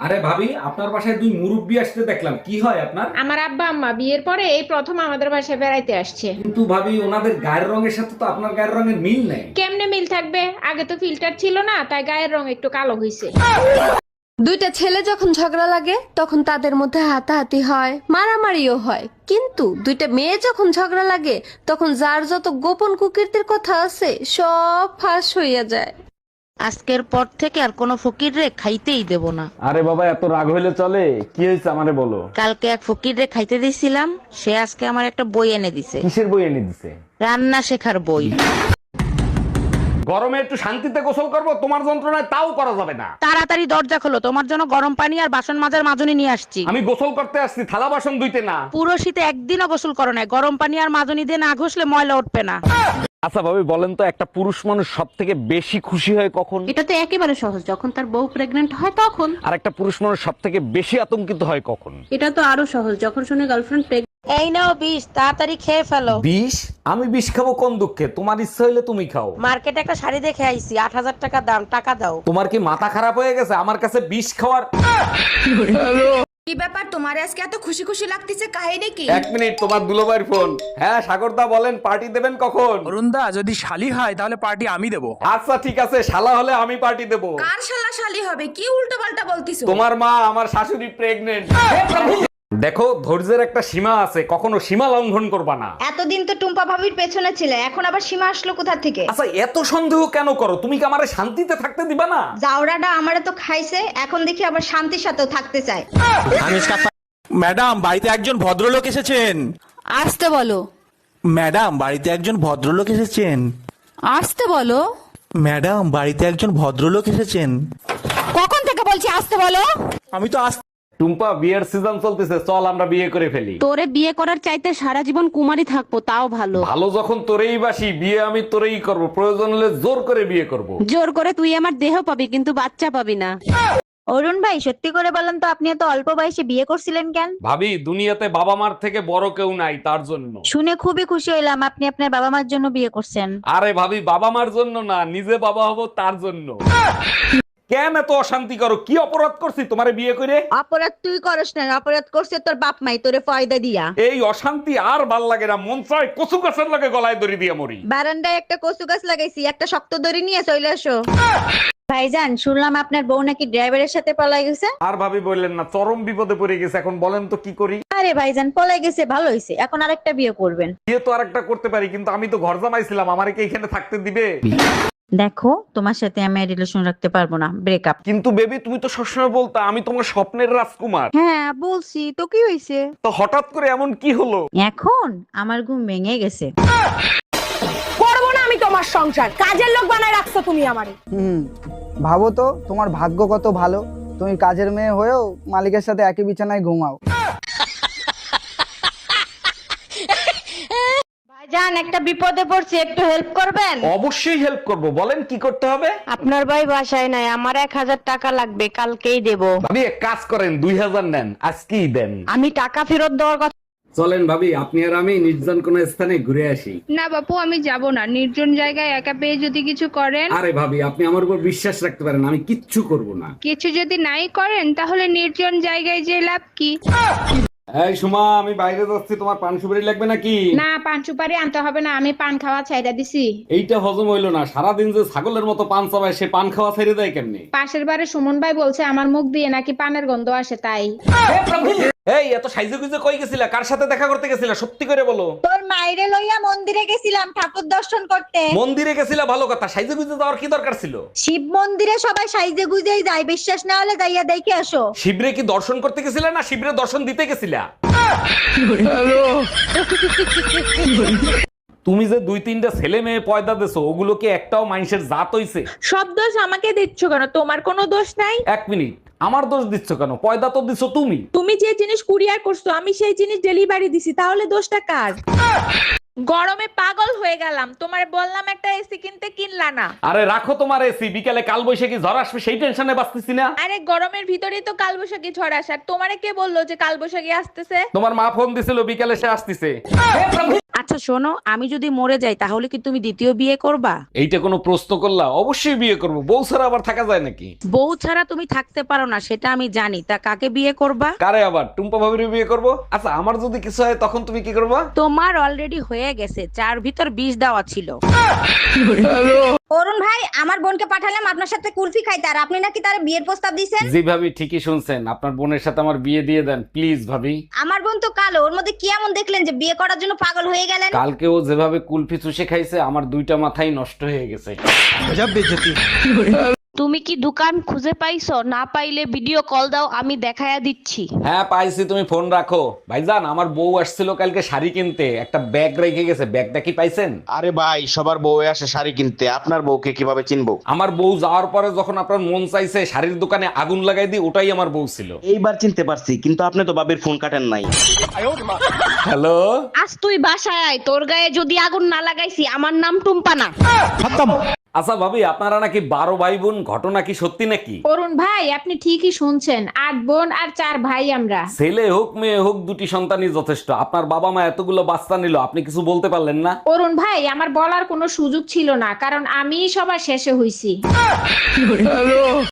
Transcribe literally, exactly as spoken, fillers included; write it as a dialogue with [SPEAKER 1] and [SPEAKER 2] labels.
[SPEAKER 1] আরে ভাবি, আপনার বাসায় দুই মুরব্বি আসতে দেখলাম, কি হয় আপনার?
[SPEAKER 2] আমার আব্বা আম্মা বিয়ের পরে এই প্রথম আমাদের বাসায় বেড়াইতে আসছে।
[SPEAKER 1] কিন্তু ভাবি, ওনাদের গায়ের রঙের সাথে তো আপনার গায়ের রঙের মিল নেই।
[SPEAKER 2] কেমনে মিল থাকবে? আগে তো ফিল্টার ছিল না, তাই গায়ের রং একটু কালো হইছে।
[SPEAKER 3] দুইটা ছেলে যখন ঝগড়া লাগে তখন তাদের মধ্যে হাতাহাতি হয়, মারামারিও হয়, কিন্তু দুইটা মেয়ে যখন ঝগড়া লাগে তখন যার যত গোপন কুকীর্তির কথা আছে সব ফাঁস হইয়া যায়।
[SPEAKER 4] আজকের পর থেকে আর কোনো ফকির রে খাইতেই দেব না।
[SPEAKER 5] আরে বাবা, এত রাগ হইলে চলে? কি হয়েছে আমারে বলো।
[SPEAKER 4] কালকে এক ফকির রে খাইতে দিছিলাম, সে আজকে আমার একটা বই এনে দিছে,
[SPEAKER 5] কিসের বই এনে দিছে?
[SPEAKER 4] রান্না শেখার বই।
[SPEAKER 5] গরমে একটু শান্তিতে গোসল করব, তোমার যন্ত্রণায় তাও করা যাবে না।
[SPEAKER 4] তাড়াতাড়ি দরজা খোলো, তোমার জন্য গরম পানি আর বাসন মাজার মাজনি নিয়ে আসছি।
[SPEAKER 5] আমি গোসল করতে আসছি, থালা বাসন ধুইতে না।
[SPEAKER 4] পুরো শীতে একদিনও গোসল করো না, গরম পানি আর মাজনি দিয়ে না ঘষলে ময়লা উঠবে না।
[SPEAKER 5] আচ্ছা ভাবি, বলেন তো, একটা পুরুষ মানুষ সব থেকে বেশি খুশি হয় কখন?
[SPEAKER 6] এটা তো একেবারে সহজ, যখন তার বউ প্রেগনেন্ট হয় তখন।
[SPEAKER 5] আর একটা পুরুষ মানুষ সব থেকে বেশি আতঙ্কিত হয় কখন?
[SPEAKER 6] এটা তো আরো সহজ, যখন শুনে গার্লফ্রেন্ড প্রেগনেন্ট।
[SPEAKER 4] এই নাও বিষ, তাড়াতাড়ি খেয়ে ফেলো।
[SPEAKER 1] বিষ? আমি বিষ খাবো কোন দুঃখে? তোমার ইচ্ছা হইলে তুমি খাও।
[SPEAKER 4] মার্কেটে একটা শাড়ি দেখে আইছি, আট হাজার টাকা দাম, টাকা দাও।
[SPEAKER 1] তোমার কি মাথা খারাপ হয়ে গেছে আমার কাছে বিষ খাওয়ার?
[SPEAKER 7] কি ব্যাপার, তোমার আজকে এত খুশি খুশি লাগতেছে, কাহিনী কি?
[SPEAKER 1] এক মিনিট, তোমার দুলোবাইর ফোন। হ্যাঁ সাগরদা, বলেন পার্টি দেবেন কখন?
[SPEAKER 8] অরুণদা, যদি শালি হয় তাহলে পার্টি আমি দেবো।
[SPEAKER 1] আচ্ছা ঠিক আছে, শালা হলে আমি পার্টি দেব।
[SPEAKER 7] কার শালা শালি হবে? কি উল্টো পাল্টা বলতিছো?
[SPEAKER 1] তোমার মা, আমার শাশুড়ি প্রেগনেন্ট। দেখো, ধৈর্যের একটা সীমা আছে, কখনো সীমা লঙ্ঘন করবা না।
[SPEAKER 9] এতদিন তো টুম্পা ভাবির পেছনে ছিলে, এখন আবার সীমা আসলো কোথা থেকে?
[SPEAKER 1] আচ্ছা এত সন্দেহ কেন করো? তুমি কি আমারে শান্তিতে থাকতে দিবা না?
[SPEAKER 9] জাউরাটা আমারে তো খাইছে, এখন দেখি আবার শান্তির সাথেও থাকতে চায়।
[SPEAKER 8] ম্যাডাম, বাড়িতে একজন ভদ্রলোক এসেছেন।
[SPEAKER 3] আসতে বলো।
[SPEAKER 8] ম্যাডাম, বাড়িতে একজন ভদ্রলোক এসেছেন।
[SPEAKER 3] আসতে বলো।
[SPEAKER 8] ম্যাডাম, বাড়িতে একজন ভদ্রলোক এসেছেন।
[SPEAKER 3] কখন থেকে বলছি আসতে বলো?
[SPEAKER 8] আমি তো আস
[SPEAKER 1] টুম্পা, বিয়ের সিজন চলতেছে, চল আমরা বিয়ে করে ফেলি।
[SPEAKER 6] তোরে বিয়ে করার চাইতে সারা জীবন কুমারী থাকবো তাও ভালো।
[SPEAKER 1] ভালো যখন তোরেই বাসি, বিয়ে আমি তোরেই করব, প্রয়োজন হলে জোর করে বিয়ে করব।
[SPEAKER 6] জোর করে তুই আমার দেহ পাবি, কিন্তু বাচ্চা পাবি না।
[SPEAKER 9] অরুণ ভাই, সত্যি করে বলেন তো, আপনি এত অল্প বয়সে বিয়ে করছিলেন কেন?
[SPEAKER 1] ভাবি, দুনিয়াতে বাবা মার থেকে বড় কেউ নাই, তার জন্য।
[SPEAKER 9] শুনে খুবই খুশি হইলাম আপনি আপনার বাবা মার জন্য বিয়ে করছেন।
[SPEAKER 1] আরে ভাবি, বাবা মার জন্য না, নিজে বাবা হব তার জন্য। কেন এত অশান্তি করো? কি অপরাধ করছি তোমারে বিয়ে করে?
[SPEAKER 9] অপরাধ তুই করস না, অপরাধ করছে তোর বাপ মাই তোরে ফয়দা দিয়া।
[SPEAKER 1] এই অশান্তি আর ভাল লাগে না, মন চায় কচু গাছের লাগে গলায় দড়ি দিয়ে মরি।
[SPEAKER 9] বারান্দায় একটা কচু গাছ লাগাইছি, একটা শক্ত দড়ি নিয়ে চলে আসো। ভাইজান, শুনলাম আপনার বউ নাকি ড্রাইভারের সাথে পলাই গেছে।
[SPEAKER 1] আর ভাবি বললেন না, চরম বিপদে পড়ে গেছে, এখন বলেন তো কি করি?
[SPEAKER 9] আরে ভাইজান, পলাই গেছে ভালো হয়েছে, এখন আরেকটা বিয়ে করবেন।
[SPEAKER 1] বিয়ে তো আরেকটা করতে পারি, কিন্তু আমি তো ঘর জামাইছিলাম, আমারে কি এখানে থাকতে দিবে?
[SPEAKER 9] দেখো, তোমার সাথে আমি রিলেশন রাখতে পারবো না, ব্রেকআপ।
[SPEAKER 1] কিন্তু বেবি, তুমি তো সবসময় বলতা আমি তোমার স্বপ্নের রাজকুমার।
[SPEAKER 9] হ্যাঁ বলছি তো, কি হয়েছে?
[SPEAKER 1] তো হঠাৎ করে এমন কি হলো?
[SPEAKER 9] এখন আমার ঘুম ভেঙে গেছে।
[SPEAKER 7] করবো না আমি তোমার সংসার, কাজের লোক বানায় রাখছো তুমি আমারে।
[SPEAKER 10] হুম, ভাবো তো তোমার ভাগ্য কত ভালো, তুমি কাজের মেয়ে হয়েও মালিকের সাথে একই বিছানায় ঘুমাও।
[SPEAKER 9] ভাইজান, একটা বিপদে পড়ছি, একটু হেল্প করবেন?
[SPEAKER 1] অবশ্যই হেল্প করব, বলেন কি করতে হবে?
[SPEAKER 9] আপনার ভাই বাসায় নাই, আমার এক হাজার টাকা লাগবে, কালকেই দেব।
[SPEAKER 1] ভাবি এক কাজ করেন, দুই হাজার নেন, আজকেই দেন।
[SPEAKER 9] আমি টাকা ফেরত দেওয়ার কথা।
[SPEAKER 1] চলেন ভাবি, আপনি আর আমি নির্জন কোন স্থানে ঘুরে আসি।
[SPEAKER 2] না বাপু, আমি যাব না, নির্জন জায়গায় একা পেয়ে যদি কিছু করেন।
[SPEAKER 1] আরে ভাবি, আপনি আমার উপর বিশ্বাস রাখতে পারেন, আমি কিচ্ছু করব না।
[SPEAKER 2] কিছু যদি নাই করেন, তাহলে নির্জন জায়গায় যে লাভ কি?
[SPEAKER 1] এই সুমা, আমি বাইরে যাচ্ছি, তোমার পান সুপারি লাগবে নাকি?
[SPEAKER 2] না, পান সুপারি আনতে হবে না, আমি পান খাওয়া ছাইড়া দিছি।
[SPEAKER 1] এইটা হজম হইলো না, সারাদিন যে ছাগলের মতো পান চাবায়, সে পান খাওয়া ছেড়ে দেয় কেমনি?
[SPEAKER 2] পাশের বাড়ি সুমন ভাই বলছে আমার মুখ দিয়ে নাকি পানের গন্ধ আসে, তাই।
[SPEAKER 1] এই এত সাইজে গুজে কই গেছিলা? কার সাথে দেখা করতে গেছিলা? সত্যি করে বলো।
[SPEAKER 9] তোর মাইরে লইয়া মন্দিরে গেছিলাম ঠাকুর দর্শন করতে।
[SPEAKER 1] মন্দিরে গেছিলা ভালো কথা, সাইজে গুজে যাওয়ার কি দরকার ছিল?
[SPEAKER 9] শিব মন্দিরে সবাই সাইজে গুজেই যায়, বিশ্বাস না হলে যাইয়া দেখে আসো।
[SPEAKER 1] শিবরে কি দর্শন করতে গেছিলা না শিবরে দর্শন দিতে গেছিলা? তুমি যে দুই তিনটা ছেলে মেয়ে পয়দা দেছো, ওগুলো কি একটাও মানুষের জাত হইছে?
[SPEAKER 2] সব দোষ আমাকে দিচ্ছ কেন? তোমার কোনো দোষ নাই।
[SPEAKER 1] এক মিনিট, আমার দোষ দিচ্ছ কেন? পয়দা তো দিছো তুমি।
[SPEAKER 2] তুমি যে জিনিস কুরিয়ার করছো, আমি সেই জিনিস ডেলিভারি দিছি, তাহলে দোষটা কার? গরমে পাগল হয়ে গেলাম, তোমার বললাম একটা এসি কিনতে, কিনলা না।
[SPEAKER 1] আরে রাখো তোমার এসি, বিকালে কাল বৈশাখী ঝড় আসবে, সেই টেনশনে বাঁচতেছি না।
[SPEAKER 2] আরে গরমের ভিতরেই তো কালবৈশাখী ঝড় আসার, তোমারে কে বললো যে কালবৈশাখী আসতেছে?
[SPEAKER 1] তোমার মা ফোন দিছিল, বিকালে সে আসতেছে।
[SPEAKER 4] আচ্ছা শোনো, আমি যদি মরে যাই তাহলে কি তুমি দ্বিতীয় বিয়ে করবা?
[SPEAKER 1] এইটা কোনো প্রশ্ন করলা? অবশ্যই বিয়ে করব, বউ ছাড়া আবার থাকা যায় নাকি?
[SPEAKER 4] বউ ছাড়া তুমি থাকতে পারো না সেটা আমি জানি, তা কাকে বিয়ে করবা?
[SPEAKER 1] কারে আবার? টুম্পা ভাবির বিয়ে করব। আচ্ছা আমার যদি কিছু হয় তখন তুমি কি করবা?
[SPEAKER 4] তোমার অলরেডি হয়ে গেছে, চার ভিতর বিষ দেওয়া ছিল।
[SPEAKER 9] অরুণ ভাই, আমার বোনকে পাঠালাম আপনার সাথে কুলফি খাইতে, আর আপনি নাকি তার বিয়ের প্রস্তাব দিয়েছেন।
[SPEAKER 1] জি ভাবি, ঠিকই শুনছেন, আপনার বোনের সাথে আমার বিয়ে দিয়ে দেন প্লিজ ভাবি।
[SPEAKER 9] আমার বোন তো কালো, ওর মধ্যে কি এমন দেখলেন যে বিয়ে করার জন্য পাগল হয়ে গেলেন?
[SPEAKER 1] কালকে ও যেভাবে কুলফি চুষে খাইছে আমার দুইটা মাথাই নষ্ট হয়ে গেছে।
[SPEAKER 6] তুমি কি দোকান খুঁজে পাইছো? না পাইলে ভিডিও কল দাও, আমি দেখায়া দিচ্ছি।
[SPEAKER 1] হ্যাঁ পাইছি, তুমি ফোন রাখো। ভাইজান আমার বউ আসছিল কালকে শাড়ি কিনতে, একটা ব্যাগ রেখে গেছে, ব্যাগটা কি পাইছেন?
[SPEAKER 11] আরে ভাই, সবার বউ আসে শাড়ি কিনতে, আপনার বউকে কিভাবে চিনবো?
[SPEAKER 1] আমার বউ যাওয়ার পরে যখন আপনার মন চাইছে শাড়ির দোকানে আগুন লাগাই দিই, ওটাই আমার বউ ছিল।
[SPEAKER 11] এইবার চিনতে পারছি, কিন্তু আপনি তো বাবির ফোন কাটেন নাই।
[SPEAKER 1] হ্যালো,
[SPEAKER 6] আজ তুই বাসায় আয়, তোর গায়ে যদি আগুন না লাগাইছি, আমার নাম টুম্পা না।
[SPEAKER 1] আচ্ছা ভাবি, আপনারা নাকি বারো ভাই বোন, ঘটনা কি সত্যি নাকি?
[SPEAKER 2] অরুণ ভাই, আপনি ঠিকই শুনছেন, আট বোন আর চার ভাই আমরা।
[SPEAKER 1] ছেলে হোক মেয়ে হোক, দুটি সন্তানই যথেষ্ট। আপনার বাবা মা এতগুলো বাচ্চা নিল, আপনি কিছু বলতে পারলেন না?
[SPEAKER 2] অরুণ ভাই, আমার বলার কোনো সুযোগ ছিল না, কারণ আমিই সবার শেষে হইছি।